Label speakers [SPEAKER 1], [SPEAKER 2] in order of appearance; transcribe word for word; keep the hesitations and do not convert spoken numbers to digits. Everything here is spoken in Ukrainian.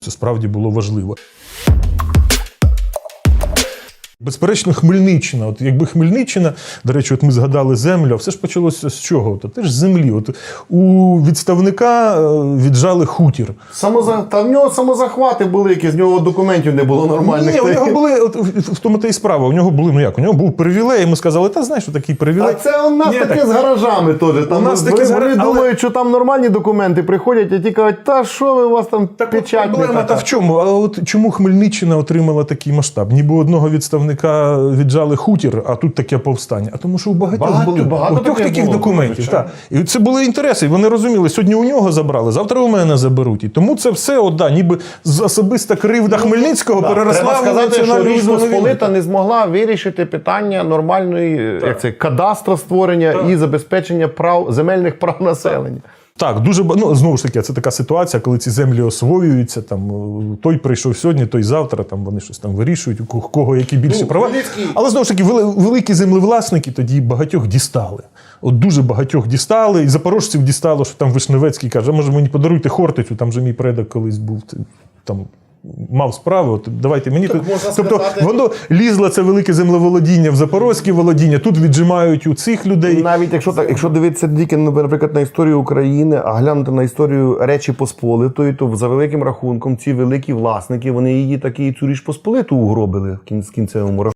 [SPEAKER 1] Це справді було важливо. Безперечно, Хмельниччина. От якби Хмельниччина, до речі, от ми згадали землю, а все ж почалося з чого? От, теж з землі. От у відставника віджали хутір.
[SPEAKER 2] Самоза... Та в нього самозахвати були, які з нього документів не було нормальних.
[SPEAKER 1] Ні, у нього були, от, в тому та і справа, у нього були, ну як, у нього був привілей, і ми сказали, та знаєш, що такий привілей.
[SPEAKER 2] А це у нас
[SPEAKER 1] Ні,
[SPEAKER 2] таке
[SPEAKER 1] так.
[SPEAKER 2] з гаражами теж. Там
[SPEAKER 1] У нас
[SPEAKER 2] вони
[SPEAKER 1] таке з
[SPEAKER 2] вони
[SPEAKER 1] гараж- але-
[SPEAKER 2] думають, що там нормальні документи приходять, а ті кажуть, та що ви, у вас там
[SPEAKER 1] Так от
[SPEAKER 2] печать не
[SPEAKER 1] проблема та
[SPEAKER 2] така.
[SPEAKER 1] в чому? А от чому Хмельниччина отримала такий масштаб? Ніби одного відставника віджали хутір, а тут таке повстання. А тому що у багатьох
[SPEAKER 2] Багато-
[SPEAKER 1] були
[SPEAKER 2] багато
[SPEAKER 1] багатьох
[SPEAKER 2] таких
[SPEAKER 1] таких
[SPEAKER 2] було,
[SPEAKER 1] документів.
[SPEAKER 2] звичайно.
[SPEAKER 1] Так. І це були інтереси. І вони розуміли, сьогодні у нього забрали, завтра у мене заберуть. І тому це все, от, да, ніби з особиста кривда Хмельницького
[SPEAKER 2] Да,
[SPEAKER 1] переросла
[SPEAKER 2] треба
[SPEAKER 1] в
[SPEAKER 2] сказати, що
[SPEAKER 1] національну
[SPEAKER 2] Річ
[SPEAKER 1] визвольну війну.
[SPEAKER 2] Посполита не змогла вирішити питання нормальної як це, кадастра створення і забезпечення прав, земельних прав населення.
[SPEAKER 1] Так, дуже ба- ну, знову ж таки, це така ситуація, коли ці землі освоюються. Там е, той прийшов сьогодні, той завтра. Там вони щось там вирішують, у кого- кого які більші
[SPEAKER 2] Ну,
[SPEAKER 1] права.
[SPEAKER 2] Хмельницький-
[SPEAKER 1] Але знову ж таки, вели- великі землевласники тоді багатьох дістали. От дуже багатьох дістали, і запорожців дістало, що там Вишневецький каже: а може мені подаруйте Хортицю, там же мій предок колись був т- там. Мав справу, от давайте мені.
[SPEAKER 2] Так
[SPEAKER 1] тут.
[SPEAKER 2] можна
[SPEAKER 1] Тобто
[SPEAKER 2] сказати-
[SPEAKER 1] воно лізло це велике землеволодіння в запорозьке володіння, тут віджимають у цих людей.
[SPEAKER 2] Навіть якщо так, якщо дивитися тільки, наприклад, на історію України, а глянути на історію Речі Посполитої, то за великим рахунком ці великі власники, вони її таки і цю Річ Посполиту угробили в кін- в кінцевому рахунку.